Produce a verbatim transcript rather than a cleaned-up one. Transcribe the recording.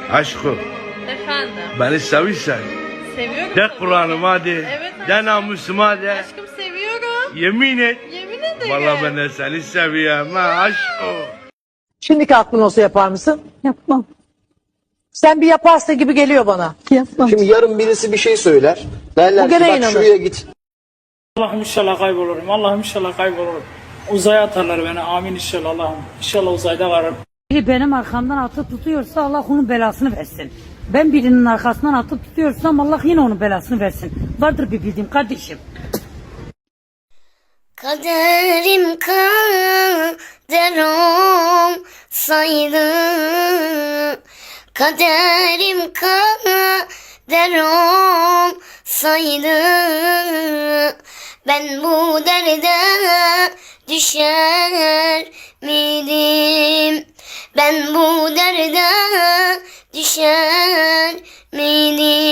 Aşkım, Efendim. beni seviyorsan Seviyorum. de tabii Kur'an'ım ki. hadi, Evet de aşkım. namusuma de, Aşkım seviyorum. yemin et. Yemin ederim. Vallahi ben de seni seviyorum ha aşkım. Şimdiki aklın olsa yapar mısın? Yapmam. Sen bir yaparsın gibi geliyor bana. Yapmam. Şimdi yarın birisi bir şey söyler. Derler O ki gene bak inanır. şuraya git. Allah'ım inşallah kaybolurum. Allah'ım inşallah kaybolurum. Uzaya atarlar beni. Amin inşallah Allah'ım. İnşallah uzayda varım. Biri benim arkamdan atıp tutuyorsa Allah onun belasını versin. Ben birinin arkasından atıp tutuyorsam Allah yine onun belasını versin. Vardır bir bildiğim kardeşim. Kaderim kader olsaydı, kaderim kader olsaydı, ben bu derde düşer miydim? Ben bu derde düşer miydim?